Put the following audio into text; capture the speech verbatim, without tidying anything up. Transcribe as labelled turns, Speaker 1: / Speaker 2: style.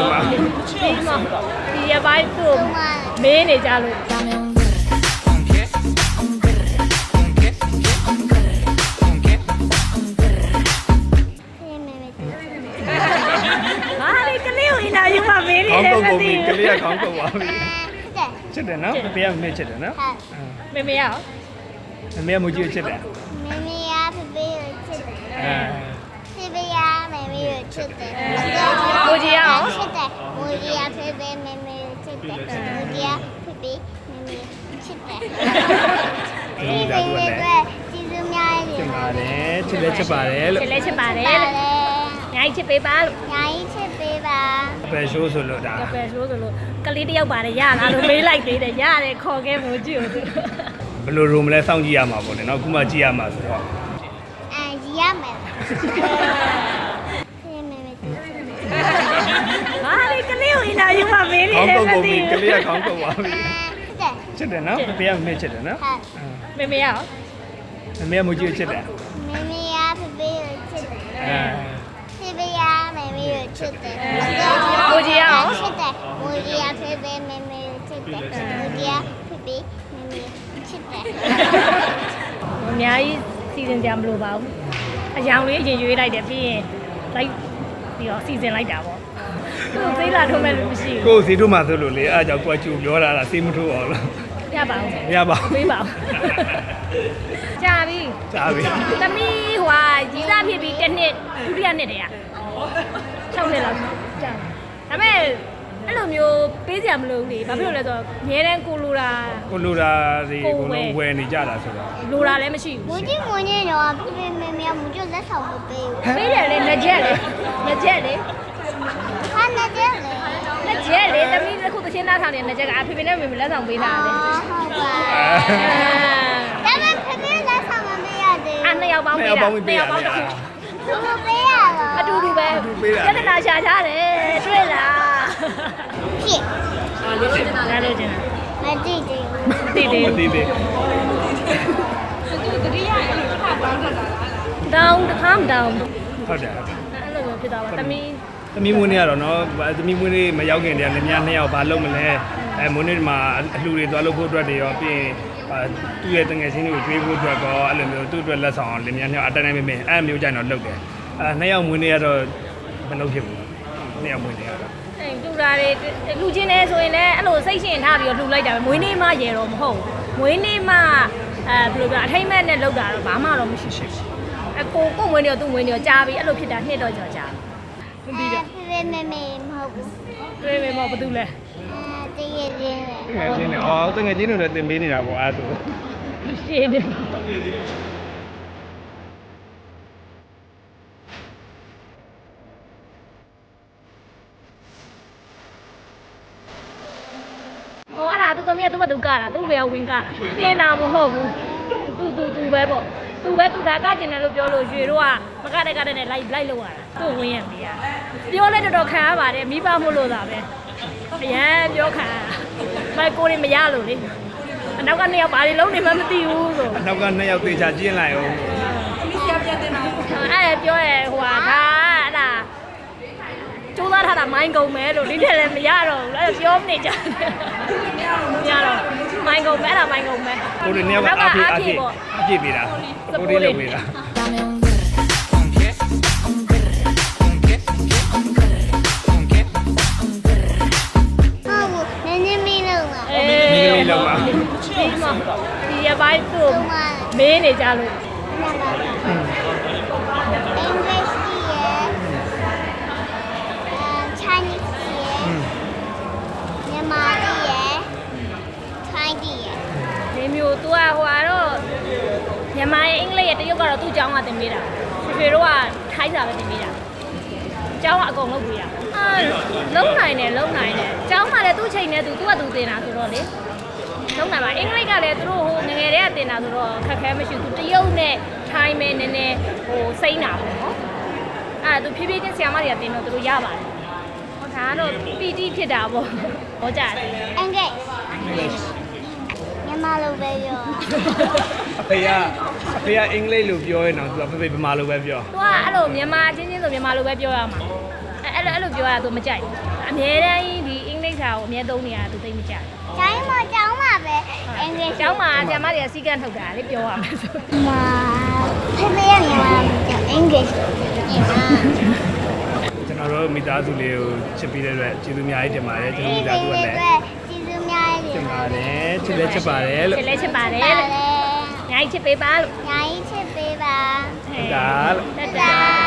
Speaker 1: ပါ
Speaker 2: ဒီမှာဒီရပိုင်းသူ့မင်းနေကြလို့ဟာလေကလေးကိုအင်တာဗျူးမှာမင်းနေ
Speaker 1: ခေါင်း
Speaker 2: တယ်
Speaker 1: ကုတ်
Speaker 2: မ
Speaker 1: ကုန်
Speaker 2: သိ
Speaker 1: ပြီက
Speaker 2: ဘူး
Speaker 1: လေးကခေါင်းကုတ်သွားပြီ
Speaker 3: ချစ်တယ်
Speaker 1: ချစ်တယ်နော်ဖေဖေကမေချစ်တယ်နော်
Speaker 2: မေမေရော
Speaker 1: မေကမကြည့်ချစ်တယ်
Speaker 3: မမရဖေဖေကိုချစ်တယ်
Speaker 1: အဲ
Speaker 3: ဖေဖေရမမကိုချစ်တယ်
Speaker 2: ကိုကြီးရော
Speaker 3: ချစ်တယ်ကိုကြီးရဖေဖေမမကိုချစ်တယ်ကိုကြီးရဖေဖေမမချစ်တယ်
Speaker 1: ဒီဒါတို့လည်း
Speaker 3: ကျေးဇူးများရ
Speaker 1: ချစ်ပါတယ်ချစ်လဲချစ်ပါတယ်လို့
Speaker 2: ချစ်လဲချစ်ပါတယ်
Speaker 3: တယ်
Speaker 2: လို့ညာကြီးချစ်ပေးပါလို့
Speaker 3: ညာကြီးချစ်ပေးပါ
Speaker 1: ဘယ်ရှိုးဆိုလို့ဒါ
Speaker 2: ကပဲဆိုဆိုလို့ကလေးတယောက်ပါတယ်ရလားလို့မေးလိုက်သေးတယ်ရတယ်ခေါ်ခဲ့မို့ကြည့်ဦးသူ
Speaker 1: ဘယ်လိုရုံမလဲစောင့်ကြည့်ရမှာပေါ့လေနော်ခုမှကြည့်ရမှာဆိုတော့
Speaker 3: အဲရီရမယ်ဖေမမချစ်တယ်
Speaker 2: ဟာလေကလေးကိုအင်တာဗျူးမှာမင်းနေ
Speaker 1: ခေါင်း
Speaker 2: တယ်
Speaker 1: ကုတ်
Speaker 2: မ
Speaker 1: ကုန်
Speaker 2: သိ
Speaker 1: ပြီက
Speaker 2: ဘူး
Speaker 1: လေးကခေါင်းကုတ်သွားပြီ
Speaker 3: ချစ်တယ်
Speaker 1: ချစ်တယ်နော်ဖေဖေကမေချစ်တယ်နော်
Speaker 2: မေမေရော
Speaker 1: မေကမကြည့်ချစ်တယ်
Speaker 3: မမရဖေဖေကိုချစ်တယ်
Speaker 1: အဲ
Speaker 3: ဖေဖေရမမကိုချစ်တယ်
Speaker 2: ကိုကြီးရော
Speaker 3: ချစ်တယ်ကိုကြီးရဖေဖေမမကိုချစ်တယ်ကိုကြီးရဖေဖေမမချစ်တယ်
Speaker 2: အများကြီးစီစဉ်ကြမလို့ပါဘူးအယောင်လေးအရင်ရွေးလိုက်တယ်ပြီးရင်လိုက်ပြီးတော့စီစဉ်လိုက်တာပေါ့သူ့သေးလာထုံးမဲ့လို့မရှိဘူး
Speaker 1: ကိုယ်စီတို့မှဆိုလို့လေအားကြောင့်ကိုယ်ချူပြောတာလားစေးမထိုးအောင်လား
Speaker 2: ရပါဦး
Speaker 1: မရပါဘူး
Speaker 2: ပေးပါဦးကြာပြီ
Speaker 1: ကြားပြီ
Speaker 2: သမီးဟွာကြီးစားဖြစ်ပြီးတစ်နှစ်ဒုတိယနှစ်တည်းက၆နှစ်လောက်ကြာဒါပေမဲ့အဲ့လိုမျိုးပေးစရာမလိုဘူးလေဘာဖြစ်လို့လဲဆိုတော့ငဲတန်းကိုလိုတာ
Speaker 1: ကိုလိုတာတွေကိုလုံးဝယ်နေကြတာဆိုတော့
Speaker 2: လိုတာလည်းမရှိ
Speaker 3: မ
Speaker 2: ဘူး
Speaker 3: ကြီးမကြီးတော့ဖေဖေမမမကျလက်ဆောင်မပေးဘူး
Speaker 2: ပေးတယ်လေလက်ချက်လေလက်ချက်လေ
Speaker 3: ဟာနေတယ်လေ
Speaker 2: လက်ချက်လေသမီးတစ်ခုတစ်ချင်းသားဆောင်နေလက်ချက်ကဖေဖေနဲ့မေမေလက်ဆောင်ပေးတာလေ
Speaker 3: ဟုတ်ပါဒါပေမဲ့ဖေဖေလက်ဆောင်မပေးရသေး
Speaker 2: အဲ့နှစ်ယောက်ပေါင်းပေးတာနှစ်ယောက်ပေါင်းတစ်ခု
Speaker 3: ဘူးဘယ်ပေးရတော့
Speaker 2: အတူတူပဲပြဿနာရှာချတယ်တွေ့လား
Speaker 3: ဖြစ်
Speaker 2: ဟာလို့ကျင်တာလည်းကျင်တာ
Speaker 3: မသိသေးဘူး
Speaker 2: တိတိ
Speaker 1: မသိသေး
Speaker 2: တောင်းတစ်ခါမတောင်း
Speaker 1: ဟုတ်တယ်ဟုတ်တယ်
Speaker 2: အဲ့လိုမျိုးဖြစ်သွားပါသမီး
Speaker 1: သမီးမွေးနေ့ကတော့နော်သမီးမွေးနေ့မရောက်ခင်တည်းကလည်းများနှစ်ယောက်ဘာလုပ်မလဲအဲမွေးနေ့မှာအလှူတွေသွားလုပ်ဖို့အတွက်တွေရောပြီးရင်သူ့ရဲ့တငယ်ချင်းတွေကိုကျွေးဖို့အတွက်ကောအဲ့လိုမျိုးသူ့အတွက်လက်ဆောင်လည်းများနှစ်ယောက်အတန်းတိုင်းမင်းအဲ့မျိုးကြိုင်တော့လုပ်တယ်အဲနှစ်ယောက်မွေးနေ့ကတော့မလုပ်ဖြစ်ဘူးနှစ်ယောက်မွေးနေ့ကတော့
Speaker 2: အဲ့တူတာတွေလူချင်းနေဆိုရင်လည်းအဲ့လိုစိတ်ရှင်ထားပြီးတော့လှူလိုက်တာပဲမွေးနေ့မှရေတော့မဟုတ်မွေးနေ့မှအဲဘယ်လိုပြောအထိမ့်မဲ့နဲ့လောက်တာတော့ဘာမှတော့မရှိဘူးအကိုကိုမွေးနေ့တော့သူ့မွေးနေ့တော့ကြားပြီအဲ့လိုဖြစ်တာနှစ်တော့ကြော်ကြားမပြီးတော့
Speaker 3: ဖေဖေမမမဟုတ်ဘူး
Speaker 2: တွေ့မယ်မောဘာတူလဲ
Speaker 3: အဲတကယ်ချင်းလေ
Speaker 1: တငယ်ချင်းတွေအော်တငယ်ချင်းတွေလည်းတင်ပေးနေတာပေါ့အဲ့ဒါ
Speaker 2: ရှင်းတယ်ဟိုအဲ့ဒါသူသမီးကသူ့မသူကတာသူ့ဘယ်ဝင်ကတင်တာမဟုတ်ဘူးသူသူသူပဲပေါ့သူပဲသူဒါကကျင်တယ်လို့ပြောလို့ရွှေတို့ကမကတဲ့ကတဲ့နဲ့လိုက်လိုက်လောက်ရတာသူ့ဝင်ရမေးရပြောလဲတော်တော်ခံရပါတယ်မိဘမို့လို့သာပဲအရန်ပြောခံရမိုက်ကိုတွေမရလို့လေအနောက်ကနေရောက်ဘာတွေလုံးနေမှမသိဘူးဆို
Speaker 1: နောက်ကနှစ်ယောက်သေချာကျင်းလိုက်အောင်
Speaker 2: အဲ့ပြောရဲဟိုဟာဒါအဲ့ဒါကျိုးသားထားတာမိုင်းကုန်မယ်လို့ဒီထက်လည်းမရတော့ဘူးအဲ့ပြောနေကြတယ်မရတော့မိုင်းကုန်မယ်အဲ့ဒါမိုင်းကုန်မယ်
Speaker 1: ကိုတွေနှစ်ယောက်ကအားဖြည့်အားဖြည့်အားဖြည့်ပေးတာကိုတွေလုပ်ပေးတာ
Speaker 3: ဟုတ်ဘူးနည်းနည်းမင်းလုံးပါ
Speaker 2: အေးဒီမှာဒီရပိုင်းသူ့မင်းနေကြလို့
Speaker 3: English ရယ် Chinese ရယ်မြန်မာရယ် Thai ရယ်
Speaker 2: ဒီမျိုး तू อ่ะဟိုကတော့မြန်မာရဲ့အင်္ဂလိပ်ရဲ့တရုတ်ကတော့သူ့ကျောင်းကသင်ပေးတာဖေဖေတို့ကထိုင်းစာပဲသင်ပေးတာကျောင်းကအကုန်လုပ်ပေးတာအာလုံးနိုင်တယ်လုံးနိုင်တယ်ကျောင်းကလည်းသူ့ချိန်နဲ့သူသူ့ကသူသင်တာဆိုတော့လေလုံးနိုင်ပါအင်္ဂလိပ်ကလည်းသူတို့ဟိုငငယ်တည်းကသင်တာဆိုတော့ခက်ခဲမရှိဘူးသူတရုတ်နဲ့ထိုင်းမဲနည်းနည်းဟိုစိမ့်တာပေါ့နော်အဲ့ဒါသူဖြည်းဖြည်းချင်းဆရာမတွေကသင်တော့သူတို့ရပါတယ်ဟောဒါကတော့ပီတိဖြစ်တာပေါ့ဟောကြတယ်
Speaker 3: English မြန်မာလိုပဲပြော
Speaker 1: အဖေကအဖေကအင်္ဂလိပ်လိုပြောရင်တော့သူကဖေဖေဗမာလိုပဲပြော
Speaker 2: သူကအဲ့လိုမြန်မာချင်းချင်းဆိုမြန်မာလိုပဲပြောရမှာအဲ့လိုအဲ့လိုပြောရတာသူမကြိုက်အများတန်းဒီအင်္ဂလိပ်စာကိုအများသုံးနေရသူသိမကြဘူး
Speaker 3: တိုင်းမှာကျောင်းမှာပဲအင်္ဂလိပ်
Speaker 2: ကျောင်းမှာဆရာမတွေကစီကန်းထုတ်တာလေပြောရမယ်ဆို
Speaker 3: မှာဖေဖေရမြန်မာအင်္ဂလိပ်ညီမ
Speaker 1: ကျွန်တော်တို့မိသားစုလေးကိုချစ်ပြီးတဲ့အတွက်ကျေးဇူးအများကြီးတင်ပါတယ်ကျွန်တော်မိသားစုကလည်း
Speaker 3: ကျေးဇူးများရ
Speaker 1: တင်ပါတယ်ချစ်လည်းချစ်ပါတယ်လို့
Speaker 2: ချစ်လဲချစ်ပါတယ်
Speaker 3: ပါ
Speaker 2: လို့
Speaker 3: လေ
Speaker 2: ညာကြီးချစ်ပေးပါလို့
Speaker 3: ညာကြီးချစ်ပေးပါ
Speaker 1: ဒါလို့
Speaker 2: တတာ